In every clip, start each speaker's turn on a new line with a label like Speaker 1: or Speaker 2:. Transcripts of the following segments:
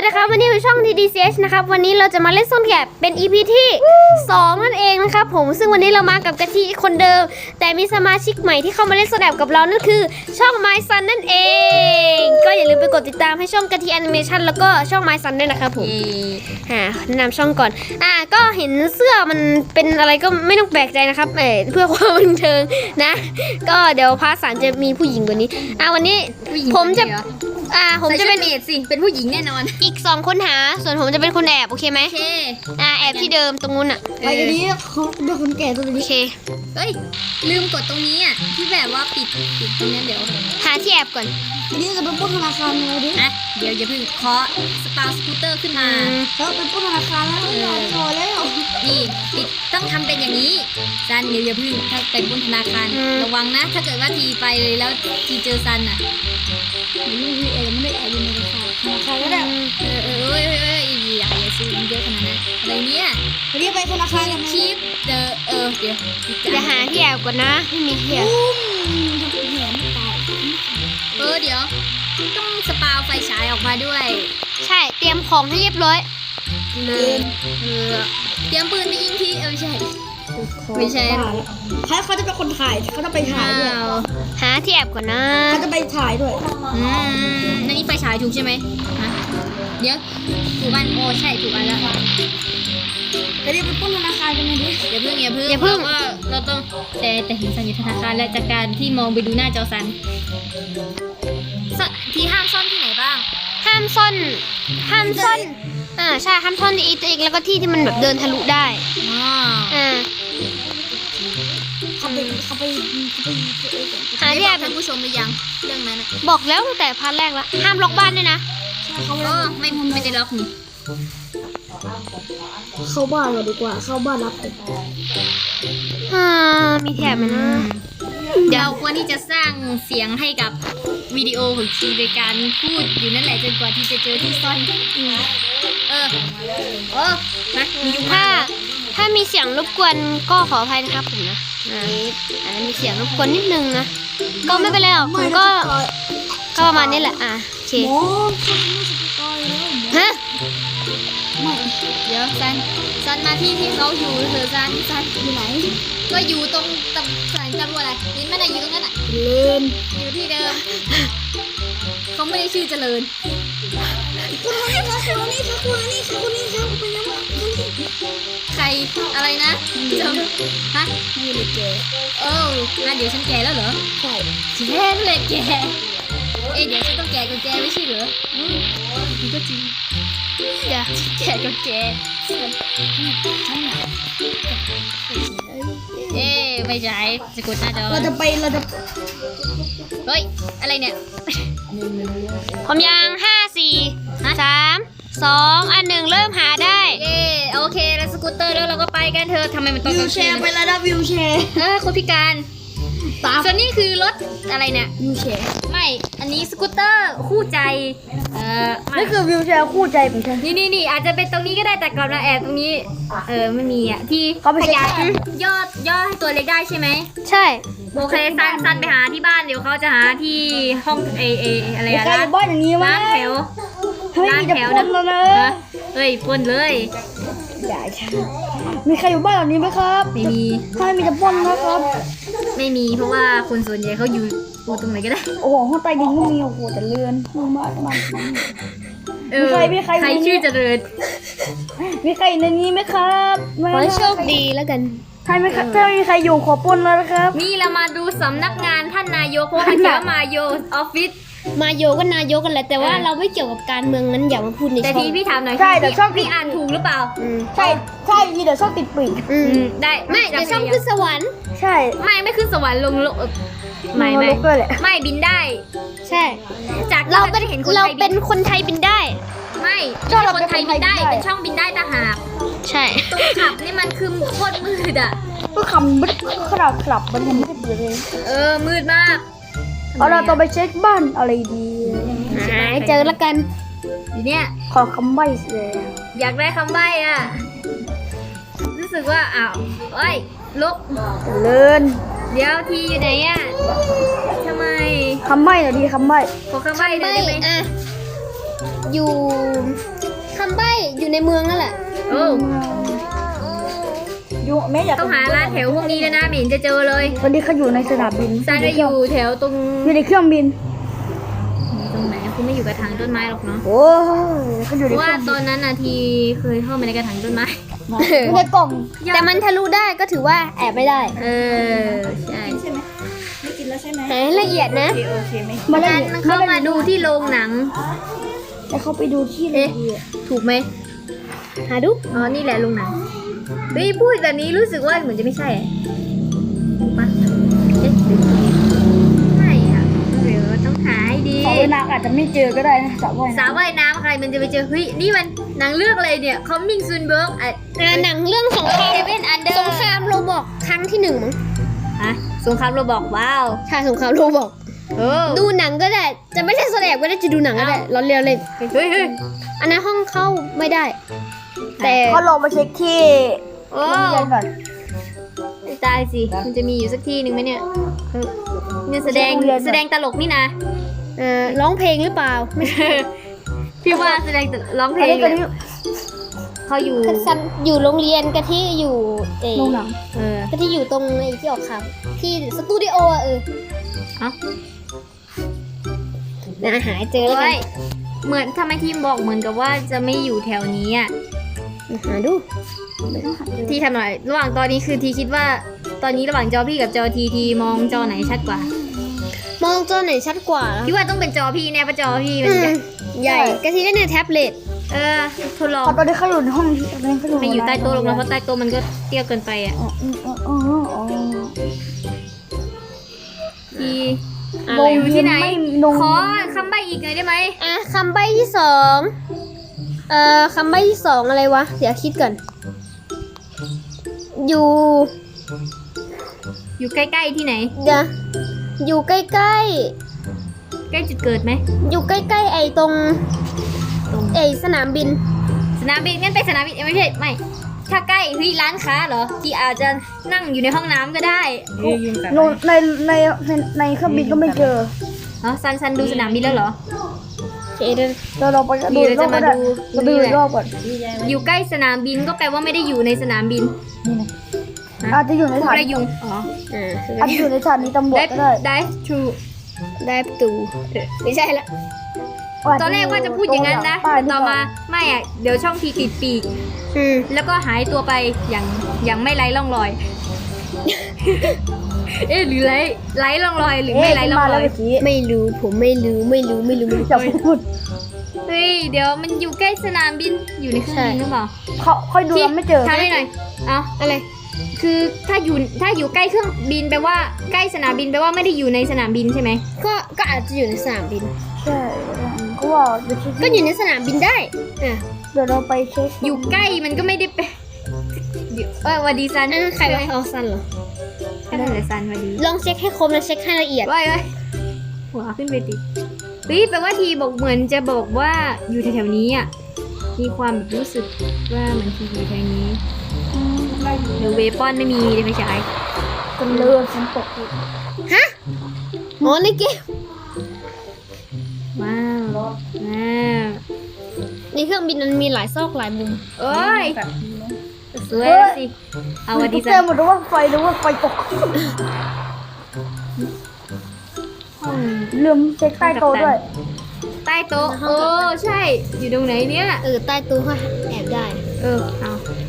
Speaker 1: นะครับวันนี้คือช่อง TDCH นะครับวันนี้เราจะมาเล่นซ่อนแอบเป็น EP ที่ 2 นั่นเองนะครับผมซึ่งวันนี้เรามากับกะทิคนเดิมแต่มีสมาชิกใหม่ที่เข้ามาเล่นซ่อนแอบกับเรานั่นคือช่อง My Sun นั่นเองก็อย่าลืมไปกดติดตามให้ช่องกะทิแอนิเมชันแล้วก็ช่อง My Sun ด้วยนะครับผมแนะนำช่องก่อนก็เห็นเสื้อมันเป็นอะไรก็ไม่ต้องแปลกใจนะครับเพื่อความบันเทิงนะก็เดี๋ยวพาร์ท 3จะมีผู้หญิงกว่านี้วันนี้ผมจะเป็น
Speaker 2: เมดสิเป็นผู้หญิงแน่นอน
Speaker 1: อีก2คนหาส่วนผมจะเป็นคนแอบโอเคไหม
Speaker 2: โอเค
Speaker 1: แอบที่เดิมตรงนู้น
Speaker 3: ไปกันนี้เขาเป็นคนแก่ตัวนี้
Speaker 1: โอเค
Speaker 2: เฮ้ยลืมกดตรงนี้ที่แบบว่าปิดตรงนี้เดี๋ยว
Speaker 1: หาที่แอบก่อน
Speaker 3: อันนี้จะเป็นปล้นธนาคารเลยดิ
Speaker 2: เดี๋ยวอย่าเพิ่งเคาะสปาสกูตเตอร์ขึ้นมา
Speaker 3: แล้วเป็นปล้นธนาคารแล้วพอแล้ว
Speaker 2: นี่ปิดต้องทำเป็นอย่างนี้ซันเดี๋ยวอย่าเพิ่งถ้าเป็นปล้นธนาคารระวังนะถ้าเกิดว่าทีไปเลยแล้วทีเจอซัน
Speaker 3: ไม่ได้แอบอยู่ในธนาคารก็ได้
Speaker 2: อย่าซื้อมันเยอะขนาดนั้นอะไรเนี่ย
Speaker 3: วันนี้ไปธนาคารกัน
Speaker 2: คลิปเดี๋ยว
Speaker 1: จะหาที่แอบก่อนนะไม่มีที่แอบ
Speaker 2: เดี๋ยวต้องสปาไฟฉายออกมาด้วย
Speaker 1: ใช่เตรียมของให้เรียบร้อย
Speaker 2: เลยเตรียมปืนไปยิงทีไม่ใช่
Speaker 3: เขาจะเป็นคนถ่ายเขาจะไปถ่ายด้วย
Speaker 1: หาที่แอบก่อนนะ
Speaker 3: เขาจะไปถ่ายด้วย
Speaker 2: นั่นนี่ไฟฉายถูกใช่ไหมเดี๋ยวถูกอันใช่ถูกอันแล้ว
Speaker 3: จะได้ไปปล้นธนาคารกันไหมดิ
Speaker 2: อย่าเพิ่งว่าเราต้องแต่เห็นซันอยู่ธนาคารและจากการที่มองไปดูหน้าจอซันที่ห้ามซ่อนที่ไหนบ้าง
Speaker 1: ห้ามซ่อนใช่ห้ามซ่อนในตัวเองแล้วก็ที่มันแบบเดินทะลุได้
Speaker 3: เขาไป
Speaker 1: หาที่แอบ
Speaker 2: ท่านผู้ชมหรือยังเรื่องนั้น
Speaker 1: บอกแล้วตั้งแต่พาร์ทแรกแล้วห้ามล็อกบ้านด้วยนะ
Speaker 2: ไม่ได้ล็อกนี่
Speaker 3: เข้าบ้านเราดีกว่าเข้าบ้านรับ
Speaker 1: มีแถบไหมนะ
Speaker 2: เราควรที่จะสร้างเสียงให้กับวิดีโอของทีโดยการพูดอยู่นั่นแหละจนกว่าที่จะเจอที่ซ่อน
Speaker 1: ถ้ามีเสียงรบกวนก็ขออภัยนะครับผมนะมีเสียงรบกวนนิดนึงนะก็ไม่เป็นไรหรอกผมก็ประมาณนี้แหละโอเคฮะ
Speaker 2: เดี๋ยวซันมาที่เขาอยู่เธอซัน
Speaker 3: อยู่ไหน
Speaker 2: ก็อยู่ตรงสถานีตำรวจนี่ไม่ได้อยู่ตรงนั้นอยู่ที่เดิมเขาไม่ได้ชื่อเจริญใครอะไรนะฮะ
Speaker 3: นี่เลยแก
Speaker 2: เดี๋ยวฉันแก่แล้วเหรอ
Speaker 3: ใช่
Speaker 2: แก่เลยแกเดี๋ยวฉันต้องแก่กับแกไม่ใช่เหรอนี่ก็จริงแก่กับแกไม่ใช่จะกดหน้าจอ
Speaker 3: เราจะ
Speaker 2: เฮ้ยอะไรเนี่ย
Speaker 1: ผมยัง5 4 3 2 1เริ่มหาได้
Speaker 2: โอเคแล้วสกูตเตอร์แล้วเราก็ไปกันเถอะทำไมมันต้อง
Speaker 3: วิวแชร์ไปแล้วนะวิวแชร์
Speaker 2: คนพิการส่วนนี้คือรถอะไรเนี่ย
Speaker 3: วิวแชร์
Speaker 2: ไม่อันนี้สกูตเตอร์คู่ใจ
Speaker 3: นี่คือวิวแชร์คู่ใจของฉัน
Speaker 2: นี่อาจจะเป็นตรงนี้ก็ได้แต่ก่อนนะแอบตรงนี้ไม่มีที่ขยายย่อให้ตัวเล็กได้ใช่ไหม
Speaker 1: ใช่
Speaker 2: โอเคซันไปหาที่บ้านเดี๋ยวเขาจะหาที่ห้องอะไรอะร้าน
Speaker 3: บ้านอย่างนี้มั้ย
Speaker 2: ร้านแถวนะเฮ้ยปนเลย
Speaker 3: อย่าค่ะมีใครอยู่บ้านหลังนี้ไหมครับ
Speaker 2: ไม่มี
Speaker 3: ถ้ามีจะปนนะครับ
Speaker 2: ไม่มีเพราะว่าคนส่วนใหญ่เขาอยู่ตรงไหนก็ได้
Speaker 3: โอ้โหห้องใต้ดินก็มีโอ้โหแต่เรือนมากมีใคร
Speaker 2: ชื่อเจริญ
Speaker 3: มีใครในนี้ไหมครับ
Speaker 1: ขอโชคดีแล้วกัน
Speaker 3: ถ้ามีใครอยู่ขอปนแล้วนะครับ
Speaker 2: นี่เรามาดูสำนักงานท่านนายกเพราะมันเขียนว่ามาโยออฟฟิศ
Speaker 1: มาโยก็นายกกันแหละแต่ว่าเราไม่เกี่ยวกับการเมืองนั้นอย่ามาพูดในช่อง
Speaker 2: แต่พี่ถามหน่อย
Speaker 3: ใช่แต่ช่อง
Speaker 2: พี่อ่านถูกหรือเปล่า
Speaker 3: ใช่มีแต่ช่องติดปีก
Speaker 2: ได้
Speaker 1: ไม่แต่ช่องขึ้นสวรรค์
Speaker 3: ใช่
Speaker 2: ไม่ขึ้นสวรรค์ลงไม่บินได้
Speaker 1: ใช่
Speaker 2: จาก
Speaker 1: เราเป็นคนไทยบินได้
Speaker 2: ไม่ช่องเราเป็นคนไทยบินได้เป็นช่องบินได้ต่างหาก
Speaker 1: ใช่
Speaker 2: ตรงขับนี่มันคือโคตรมืด
Speaker 3: ก็คำบึ้ดขลับมันยังไม่ได้เปิดเลย
Speaker 2: มืดมาก
Speaker 3: เราต้องไปเช็คบ้านอะไรดี
Speaker 1: เจอแล้วกัน
Speaker 2: เนี่ย
Speaker 3: ขอคำใบ้เลย
Speaker 2: อยากได้คำใบ้รู้สึกว่าลบ
Speaker 3: เลิน
Speaker 2: เดี๋ยวทีอยู่ไหนทำไม
Speaker 3: คำใบ้หน่อยดีคำใบ้
Speaker 2: ขอคำใบ้ได้ไหม
Speaker 1: อยู่คำใบ้อยู่ในเมืองนั่นแหละ
Speaker 2: โอ้
Speaker 3: อยู่แม่อยาก
Speaker 2: ต้องหาร้านแถวพวกนี้เลยนะไม่เห็นจะเจอเลย
Speaker 3: วันนี้เขาอยู่ในสนามบิน
Speaker 2: ซันจะอยู่แถวตรง
Speaker 3: อยู่ในเครื่องบิน
Speaker 2: ตรงไหนคุณไม่อยู่กระถางต้นไม้หรอกเนาะ
Speaker 3: โอ้ยเขาอยู่
Speaker 2: เพ
Speaker 3: ใน
Speaker 2: ราะ
Speaker 3: เค
Speaker 2: ว่า
Speaker 3: รื่อง
Speaker 2: ตอนนั้นน่ะทีเคยเข้ามาในกระถางต้นไม้
Speaker 3: อยู่ในกล่อง
Speaker 1: แต่มันทะลุได้ก็ถือว่าแอบไม่ได้
Speaker 2: เออใช่
Speaker 3: ใช่ไหมไม่กินแล้วใช่ไหม
Speaker 1: หาให้ละเอียดนะ
Speaker 3: โอเคไหม
Speaker 2: งั้นเข้ามาดูที่โรงหนัง
Speaker 3: แต่เขาไปดูที่เลย
Speaker 2: ถูกไหม
Speaker 1: หาดู
Speaker 2: อ๋อนี่แหละโรงหนังเฮ้ยพูดแบบนี้รู้สึกว่าเหมือนจะไม่ใช่ถูกปะเอ๊ะหรือไม่อะเดี๋ยวต้องหาให้ดี
Speaker 3: สระว่ายน้ำอาจจะไม่เจอก็ได้นะสระว่าย
Speaker 2: สา
Speaker 3: น้
Speaker 2: วว่ายน้ำใครมันจะไปเจอเฮ้ยนี่มันหนังเรื่องอะไรเนี่ย Coming Soon Bird
Speaker 1: หนังเรื่องสงคราม
Speaker 2: Seven Under
Speaker 1: สงครามโรบอกครั้งที่ 1มั้ง
Speaker 2: ฮะสงครามเราบอกว้าว
Speaker 1: ใช่สงครามโรบอก
Speaker 2: เออ
Speaker 1: ดูหนังก็ได้ จะไม่ใช่แสดงก็ได้จะดูหนังก็ได้เราเรียนเล่น
Speaker 2: เฮ้ยเฮ้ย
Speaker 1: อันนั้นห้องเข้าไม่ได้ แต่
Speaker 3: ำเขาลองมาเช็คที่
Speaker 2: โอ้
Speaker 3: โรงเรียนก่อน
Speaker 2: ตายสิมันจะมีอยู่สักที่หนึ่งไหมเนี่ยเออเนี่ยแสดงตลกนี่นะ
Speaker 1: ร้องเพลงหรือเปล่าไม่ใช่
Speaker 2: พี่ว่าแสดงร้องเพล
Speaker 3: อัน
Speaker 2: ง
Speaker 3: นี้ก็
Speaker 2: เลย
Speaker 3: ที่
Speaker 2: เขาอยู่
Speaker 1: ซันอยู่โรงเรียนกะที่อยู่เอ
Speaker 3: โรงหนัง
Speaker 2: เออ
Speaker 1: กะที่อยู่ตรงไอ้ที่ออกข่าวที่สตูดิโออะ
Speaker 2: เอ้า
Speaker 1: นะหาเจอแล้วกั
Speaker 2: เฮ้
Speaker 1: น
Speaker 2: ยเหมือนทำไมทีมบอกเหมือนกับว่าจะไม่อยู่แถวนี้อ่ะ
Speaker 1: หาดู
Speaker 2: ที่ทำหน่อยระหว่างตอนนี้คือทีคิดว่า ตอนนี้ระหว่างจอพี่กับจอทีมองจอไหนชัดกว่า
Speaker 1: มองจอไหนชัดกว่า
Speaker 2: พี่ว่าต้องเป็นจอพี่แน่เพราะจอพี่มัน
Speaker 1: อื
Speaker 2: จะ
Speaker 1: มใหญ่กะที่ได้ในแท็บเล็ต
Speaker 2: เออทดลอง
Speaker 3: พอตอนนี้เขาอยู่ในห้องตอนนี้เขาอยู่
Speaker 2: ไม่อยู่ใต้โต๊ะหรอกนะเพราะใต้โต๊ะมันก็เตี้ยเกินไปอ่ะ
Speaker 3: อ๋ออ๋ออ๋ออ๋อ
Speaker 2: ที
Speaker 1: อะไร
Speaker 2: อยู่ที่ไหน
Speaker 3: ไม่ลง
Speaker 2: ขอคำใบ้อีกหน่อยได้ไหม
Speaker 1: คำใบ้ที่สองคำใบ้ที่สองอะไรวะ เดี๋ยวคิดก่อน อยู่
Speaker 2: อยู่ใกล้ๆที่ไหน
Speaker 1: เดี๋ยวอยู่ใกล้
Speaker 2: ใกล้จุดเกิดไหม
Speaker 1: ๆ อยู่ใกล้ๆไอ้ตรงไอ้สนามบิน
Speaker 2: สนามบินงั้นไปสนามบินไม่ใช่ไม่ถ้าใกล้เฮ้ยร้านค้าเหรอที่อาจจะนั่งอยู่ในห้องน้ำก็ได้
Speaker 3: โนในในเครื่องบินก็ไม่เจอ
Speaker 2: อ๋อซันดูสนามบินแล้วเหรอ
Speaker 3: เราไปดูอีกรอบก็ได้เราดูอีกรอบก่อน
Speaker 2: อยู่ใกล้สนามบินก็แปลว่าไม่ได้อยู่ในสนามบิน
Speaker 3: นี่นะอาจจะอยู่ในฐาน
Speaker 2: อะไรยุงอ๋อ
Speaker 3: อาจจะอยู่ในฐานีตำรวจก็ได้
Speaker 2: dive to
Speaker 1: ได้ประตูไม่ใช่ละ
Speaker 2: ตอนแรกว่าจะพูดอย่างนั้นนะแต่ต่อมาไม่อ่ะเดี๋ยวช่องทีติดปีก แล้วก็หายตัวไปอย่างไม่ไร้ร่องรอย เอ๊ะหรือไร้ร่องรอยหรือไม่ไร้ร่องรอย
Speaker 1: ไม่รู้ผมไม่รู้
Speaker 3: จะพูด
Speaker 2: เฮ้ยเดี๋ยวมันอยู่ใกล้สนามบินอยู่ในเครื่องบินหรือเปล่า
Speaker 3: เขาค่อยดูแล้วไม่เจอ
Speaker 2: ทำให้หน่อยเอาอะไรคือถ้าอยู่ใกล้เครื่องบินแปลว่าใกล้สนามบินแปลว่าไม่ได้อยู่ในสนามบินใช่ไหม
Speaker 1: ก็อาจจะอยู่ในสนามบิน
Speaker 3: ใช่ก็ว่าเดี๋ยว
Speaker 1: ก็อยู่ในสนามบินได้อ่ะ
Speaker 3: เดี๋ยวเราไปเช็ค
Speaker 2: อยู่ใกล้มันก็ไม่ได้เป็นเดี๋ยววันดีซัน
Speaker 1: อันนั้นใครวะเอาซันเหรอ
Speaker 2: ใช่เลยซันวันดี
Speaker 1: ลองเช็คให้ครบนะเช็คให้ละเอียด
Speaker 2: ว้ายหัวขึ้นไปติเฮ้ยแปลว่าทีบอกเหมือนจะบอกว่าอยู่แถวๆนี้อ่ะมีความแบบรู้สึกว่าเหมือนทีอยู่แถวนี้หรือเวปอนไม่มีเลยไม่ใช่
Speaker 3: กันเลยฉันตก
Speaker 1: อ๋อในเกม
Speaker 2: ว้าวว้าว
Speaker 1: ในเครื่องบินมันมีหลายซอกหลายมุม
Speaker 2: เอ้ยสวยแล้วสิเอาวันดี
Speaker 3: เจ
Speaker 2: ซั
Speaker 3: อน หมดว่าไฟหรือว่าไฟตก
Speaker 2: ห้อง
Speaker 3: ลืมเช็คใต้โต๊ะด้วย
Speaker 2: ใต้โต๊ะโอ้ใช่ อยู่ตรงไหนเนี่ย
Speaker 1: ใต้ตู้ก็แอบได้
Speaker 2: เอา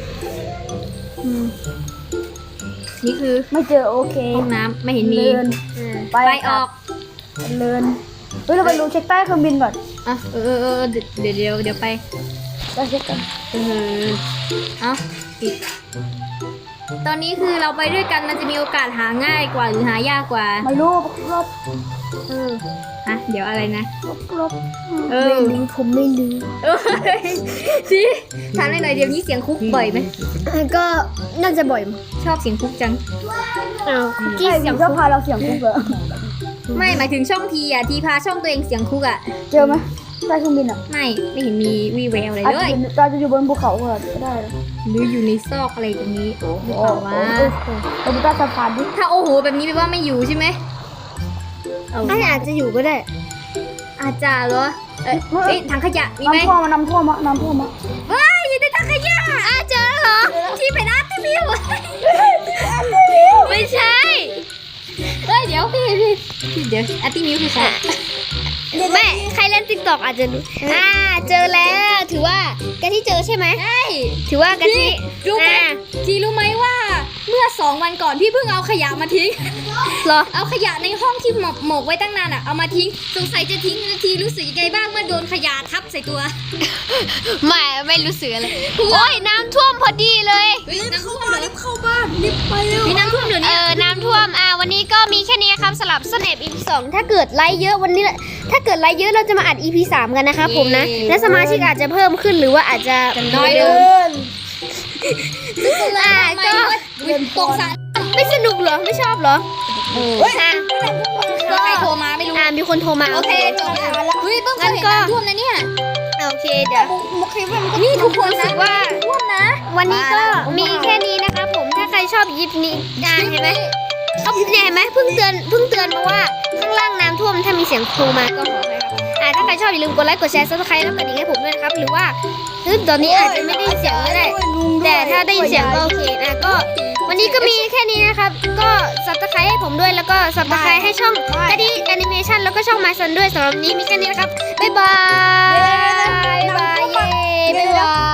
Speaker 2: นี่คือ
Speaker 3: ไม่เจอโอเค
Speaker 2: ห้องน้ำไม่เห็นมี
Speaker 3: เดิน
Speaker 2: ไปออก
Speaker 3: เดินเฮ้ยเราไปดูเช็คใต้เครื่องบินก่อน
Speaker 2: อ่ะเดี๋ยวไป
Speaker 3: เราเช็คกัน
Speaker 2: เอาปิดตอนนี้คือเราไปด้วยกันมันจะมีโอกาสหาง่ายกว่าหรือหายากกว่า
Speaker 3: ไม่รู้รอบ
Speaker 2: เดี๋ยวอะไรนะ
Speaker 3: รอบ
Speaker 1: ไม่รู้ผมไม่รู้
Speaker 2: ที่ถามหน่อยเดี๋ยวนี้เสียงคุกบ่อยไหม
Speaker 1: ก็น่าจะบ่อยมั้ง
Speaker 2: ชอบเสียงคุกจัง
Speaker 1: อ้าวคุกกี้
Speaker 3: ที่
Speaker 1: เสี
Speaker 3: เสี
Speaker 1: ย
Speaker 3: ย
Speaker 1: ง
Speaker 3: งชอบพาเราเสียงคุกเหรอ
Speaker 2: ไม่หมายถึงช่องทีอ่ะทีพาช่องตัวเองเสียงคุกอ่ะ
Speaker 3: เจอไหมใต้เครื่องบินอ่ะ
Speaker 2: ไม่เห็นมีวีแววอะไร
Speaker 3: อาจ
Speaker 2: เลย
Speaker 3: จะอยู่บนภูเขาก็ได้
Speaker 2: หรืออยู่ในซอกอะไรตรงนี้หรือเปล่าวะ
Speaker 3: เราไปใต้สะพานดิ
Speaker 2: ถ้าโอ้โหแบบนี้แปลว่าไม่อยู่ใช่ไหม
Speaker 1: อาจจะอยู่ก็ได้
Speaker 2: อาจจะเหรอเอ้ยถังขยะมีไหม
Speaker 3: น้ำท่วมมา
Speaker 2: เฮ้ยอยู่ในถังขยะเจอเหรอที่เป็นอาร์ตมิวไม่ใช่เฮ้ยเดี๋ยวพี่เดี๋ยวอาร์ตมิวคือใคร
Speaker 1: แม่ใครเล่นติ๊กต็อกอาจจะรู้เจอแล้วถือว่ากะทิเจอใช่ไหม
Speaker 2: ใช่
Speaker 1: ถือว่ากะทิ
Speaker 2: รู้ไหมทีรู้ไหมว่าเมื่อ2 วันก่อนพี่เพิ่งเอาขยะมาทิ้ง
Speaker 1: เหรอ
Speaker 2: เอาขยะในห้องที่หมกไว้ตั้งนานอ่ะเอามาทิ้งสงสัยจะทิ้งนาทีรู้สึกยังไงบ้างเมื่อโดนขยะทับใส่ตัว
Speaker 1: ไม่รู้สึกอะไรโอ้ยน้ำท่วมพอดีเลย
Speaker 2: น้ำท่วมเหรอรีบเข้าบ้านรีบไปเร็วมีน้ำท่วมเดี๋ยวนี้
Speaker 1: น้ำท่วมวันนี้ก็มีแค่นี้ครับสำหรับสเนป EP 2ถ้าเกิดไลค์เยอะวันนี้ถ้าเกิดไลค์เยอะเราจะมาอัด EP 3กันนะครับผมนะและสมาชิกอาจจะเพิ่มขึ้นหรือว่าอาจจะ
Speaker 2: น้อยล
Speaker 3: เดิ
Speaker 2: ง
Speaker 3: น
Speaker 1: ก็
Speaker 2: ตกสาร
Speaker 1: ไม่สนุกเหรอไม่ชอบเหรอ
Speaker 2: ก็ใครโทรมาไม่รู้
Speaker 1: มีคนโทรมา
Speaker 2: โอเคจบแล้วเฮ้ยเพิ่งเคยเห็นน้ำท่วมนะเนี่ย
Speaker 1: โอเคเดี๋ยว
Speaker 3: มุกคลิปมันก็
Speaker 2: นี่ทุกคน
Speaker 1: รู้สึกว่า
Speaker 2: ท่วมนะ
Speaker 1: วันนี้ก็มีแค่นี้นะครับผมถ้าใครชอบยิปนี้เห็นไหมเขาเห็นไหมเพิ่งเตือนมาว่าข้างล่างน้ำท่วมถ้ามีเสียงโทรมาก็ขอให้ครับถ้าใครชอบอย่าลืมกดไลค์กดแชร์ซับสไครต์แล้วกดกระดิ่งให้ผมด้วยนะครับหรือว่าตอนนี้อาจจะไม่ได้ยินเสียงก็ได้ แต่ถ้าได้ยินเสียงก็โอเคก็ วันนี้ก็มีแค่นี้นะครับ ก็ซับสไครต์ให้ผมด้วยแล้วก็ซับสไครต์ให้ช่องกระดิ่งแอนิเมชันแล้วก็ช่องมาซันด้วยสำหรับวันนี้มีแค่นี้นะครับบ๊ายบายบ๊ายบายเย้บ๊ายบาย